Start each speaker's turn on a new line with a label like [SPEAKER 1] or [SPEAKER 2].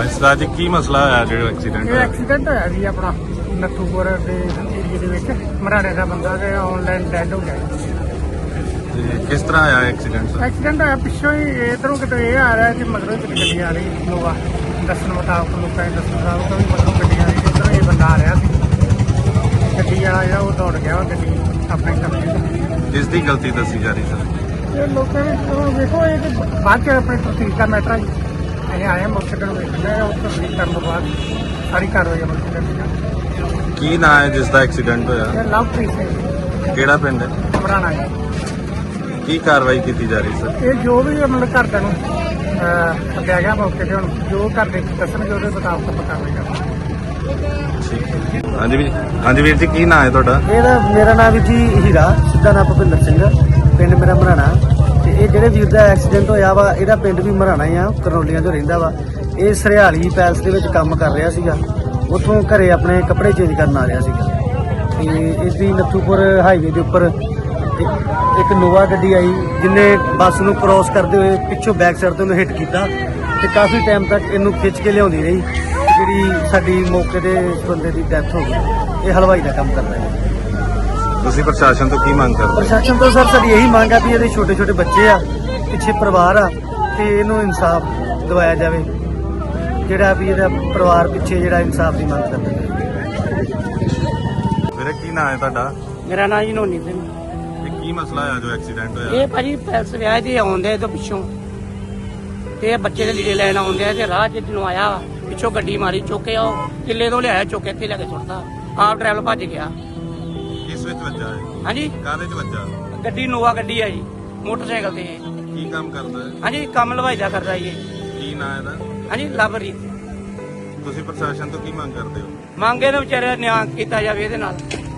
[SPEAKER 1] ਸਰਦਾਰ ਜੀ ਕੀ ਮਸਲਾ ਹੋਇਆ ਜਿਹੜਾ ਐਕਸੀਡੈਂਟ
[SPEAKER 2] ਇਹ
[SPEAKER 1] ਹੋਇਆ?
[SPEAKER 2] ਐਕਸੀਡੈਂਟ ਹੋਇਆ ਜੀ ਆਪਣਾ ਨੱਥੂਪੁਰ ਦੇ ਏਰੀਏ ਦੇ ਵਿੱਚ ਮਰਾੜੇ ਦਾ ਬੰਦਾ ਤੇ ਆਨਲਾਈਨ ਡੈਡ ਹੋ ਗਿਆ।
[SPEAKER 1] ਤੇ ਕਿਸ ਤਰ੍ਹਾਂ ਆਇਆ ਐਕਸੀਡੈਂਟ?
[SPEAKER 2] ਐਕਸੀਡੈਂਟ ਹੋਇਆ ਪਿੱਛੋਂ ਹੀ ਇਧਰੋਂ ਕਿਤੇ ਇਹ ਆ ਰਿਹਾ ਤੇ ਮਗਰੋਂ ਕਿਤੇ ਗੱਡੀ ਆ ਰਹੀ ਨੋਵਾ ਦੱਸਣ ਮੁਤਾਬਕ ਲੋਕਾਂ ਦੇ ਦੱਸਣ ਮੁਤਾਬਕ ਵੀ ਮਗਰੋਂ ਗੱਡੀ ਆ ਰਹੀ ਤੇ ਇੱਧਰੋਂ ਇਹ ਬੰਦਾ ਆ ਰਿਹਾ ਸੀ। ਗੱਡੀ ਵਾਲਾ ਜਿਹੜਾ ਉਹ ਦੌੜ ਗਿਆ ਉਹ ਗੱਡੀ ਆਪਣੇ ਕਬਜ਼ੇ
[SPEAKER 1] ਜਿਸ ਦੀ ਗਲਤੀ ਦੱਸੀ ਜਾ ਰਹੀ ਸਰ?
[SPEAKER 2] ਇਹ ਲੋਕਾਂ ਨੇ ਚਲੋ ਵੇਖੋ ਇਹ ਤੇ ਬਾਅਦ ਚ ਆਪਣੇ ਤਸਦੀਕ ਦਾ ਮੈਟਰ ਹੈ ਜੀ। ਅਸੀਂ ਆਏ ਮੌਕੇ ਤੇ ਵੇਖਦੇ ਉਹ ਤਸਦੀਕ ਕਰਨ ਤੋਂ ਬਾਅਦ ਸਾਰੀ ਕਾਰਵਾਈ ਅਮਲ ਚ ਲਿਆਂਦੀ ਜਾਵੇਗੀ।
[SPEAKER 1] ਕੀ ਨਾਂ ਹੈ ਜਿਸ ਦਾ ਐਕਸੀਡੈਂਟ ਹੋਇਆ?
[SPEAKER 2] ਇਹ ਲਵਪ੍ਰੀਤ ਸਿੰਘ
[SPEAKER 1] ਕਿਹੜਾ ਪਿੰਡ ਹੈ?
[SPEAKER 2] ਘਬਰਾਣਾ ਜੀ।
[SPEAKER 1] ਕੀ ਕਾਰਵਾਈ ਕੀਤੀ ਜਾ ਰਹੀ ਸਰ?
[SPEAKER 2] ਇਹ ਜੋ ਵੀ ਮਤਲਬ ਘਰਦਿਆਂ ਨੂੰ ਸੱਦਿਆ ਗਿਆ ਮੌਕੇ ਤੇ ਹੁਣ ਜੋ ਘਰ ਦੇ ਦੱਸਣਗੇ ਉਹਦੇ ਮੁਤਾਬਕ ਆਪਾਂ ਕਾਰਵਾਈ ਕਰਾਂਗੇ।
[SPEAKER 1] ਹਾਂਜੀ ਵੀਰ ਜੀ ਕੀ ਨਾਂ ਹੈ ਤੁਹਾਡਾ?
[SPEAKER 3] ਇਹਦਾ ਮੇਰਾ ਨਾਮ ਵੀ ਜੀ ਹੀਰਾ, ਸਿੱਧਾ ਨਾਮ ਭੁਪਿੰਦਰ ਸਿੰਘ, ਪਿੰਡ ਮੇਰਾ ਮਰਾਣਾ। ਤੇ ਇਹ ਜਿਹੜੇ ਵੀਰ ਦਾ ਐਕਸੀਡੈਂਟ ਹੋਇਆ ਵਾ ਇਹਦਾ ਪਿੰਡ ਵੀ ਮਰਾਣਾ ਹੀ ਆ, ਕਰਨੋਲੀਆਂ ਤੋਂ ਰਹਿੰਦਾ ਵਾ। ਇਹ ਸਰਿਆਲੀ ਪੈਲਸ ਦੇ ਵਿੱਚ ਕੰਮ ਕਰ ਰਿਹਾ ਸੀਗਾ, ਉੱਥੋਂ ਘਰੇ ਆਪਣੇ ਕੱਪੜੇ ਚੇਂਜ ਕਰਨ ਆ ਰਿਹਾ ਸੀਗਾ। ਤੇ ਇਸ ਦੀ ਨੱਥੂਪੁਰ ਹਾਈਵੇ ਦੇ ਉੱਪਰ ਇੱਕ ਨੋਵਾ ਗੱਡੀ ਆਈ ਜਿਹਨੇ ਬੱਸ ਨੂੰ ਕ੍ਰੋਸ ਕਰਦੇ ਹੋਏ ਪਿੱਛੋਂ ਬੈਕ ਸਾਈਡ ਤੋਂ ਉਹਨੂੰ ਹਿੱਟ ਕੀਤਾ ਤੇ ਕਾਫੀ ਟਾਈਮ ਤੱਕ ਇਹਨੂੰ ਖਿੱਚ ਕੇ ਲਿਆਉਂਦੀ ਰਹੀ, ਜਿਹੜੀ ਸਾਡੀ ਮੌਕੇ ਤੇ ਇਸ ਬੰਦੇ ਦੀ ਡੈਥ ਹੋ ਗਈ। ਇਹ ਹਲਵਾਈ ਦਾ ਕੰਮ ਕਰਦਾ ਹੈ।
[SPEAKER 1] ਤੁਸੀਂ ਪ੍ਰਸ਼ਾਸਨ ਤੋਂ ਕੀ ਮੰਗ ਕਰਦੇ?
[SPEAKER 3] ਪ੍ਰਸ਼ਾਸਨ ਤੋਂ ਸਰ ਸਾਡੀ ਇਹੀ ਮੰਗ ਆ ਵੀ ਇਹਦੇ ਛੋਟੇ ਛੋਟੇ ਬੱਚੇ ਆ, ਪਿੱਛੇ ਪਰਿਵਾਰ ਆ, ਤੇ ਇਹਨੂੰ ਇਨਸਾਫ ਦਿਵਾਇਆ ਜਾਵੇ। ਜਿਹੜਾ ਵੀ ਇਹਦਾ ਪਰਿਵਾਰ ਪਿੱਛੇ ਜਿਹੜਾ ਇਨਸਾਫ ਦੀ ਮੰਗ ਕਰਦਾ ਹੈ।
[SPEAKER 1] ਵੀਰੇ ਕੀ ਨਾਂ ਹੈ ਤੁਹਾਡਾ?
[SPEAKER 2] ਮੇਰਾ ਨਾਂ ਜੀ ਨੋਨੀ ਸਿੰਘ।
[SPEAKER 1] ਤੇ ਕੀ ਮਸਲਾ ਹੋਇਆ ਜੋ ਐਕਸੀਡੈਂਟ ਹੋਇਆ?
[SPEAKER 2] ਇਹ ਭਾਜੀ ਪੈਲਸ ਵਿਆਹ ਦੇ ਆਉਂਦੇ ਤੋਂ ਪਿੱਛੋਂ ਤੇ ਇਹ ਬੱਚੇ ਦੇ ਲੀੜੇ ਲੈਣ ਆਉਂਦੇ ਆ ਤੇ ਰਾਹ 'ਚ ਜਦੋਂ ਆਇਆ ਪਿੱਛੋਂ ਗੱਡੀ ਮਾਰੀ, ਚੁੱਕੇ ਉਹ ਕਿੱਲੇ ਤੋਂ ਲਿਆਇਆ, ਚੁੱਕ ਕੇ ਇੱਥੇ ਲੈ ਕੇ ਸੁੱਟਦਾ। ਆਪ ਡਰਾਈਵਰ ਭੱਜ ਗਿਆ।
[SPEAKER 1] ਕਿਸ ਵਿੱਚ ਵੱਜਾ ਹੈ?
[SPEAKER 2] ਹਾਂਜੀ
[SPEAKER 1] ਕਾਹਦੇ 'ਚ ਵੱਜਾ?
[SPEAKER 2] ਗੱਡੀ ਨੋਵਾ ਗੱਡੀ ਆ ਜੀ, ਮੋਟਰਸਾਈਕਲ ਤੇ।
[SPEAKER 1] ਕੀ ਕੰਮ ਕਰਦਾ ਹੈ?
[SPEAKER 2] ਹਾਂਜੀ ਕੰਮ ਲਵਾਈ ਦਾ ਕਰਦਾ ਜੀ।
[SPEAKER 1] ਕੀ ਨਾਂ ਇਹਦਾ?
[SPEAKER 2] ਹਾਂਜੀ ਲਵਪ੍ਰੀਤ।
[SPEAKER 1] ਤੁਸੀਂ ਪ੍ਰਸ਼ਾਸਨ ਤੋਂ ਕੀ ਮੰਗ ਕਰਦੇ ਹੋ?
[SPEAKER 2] ਮੰਗੇ ਨੂੰ ਵਿਚਾਰੇ ਨਿਆਂ ਕੀਤਾ ਜਾਵੇ ਇਹਦੇ ਨਾਲ।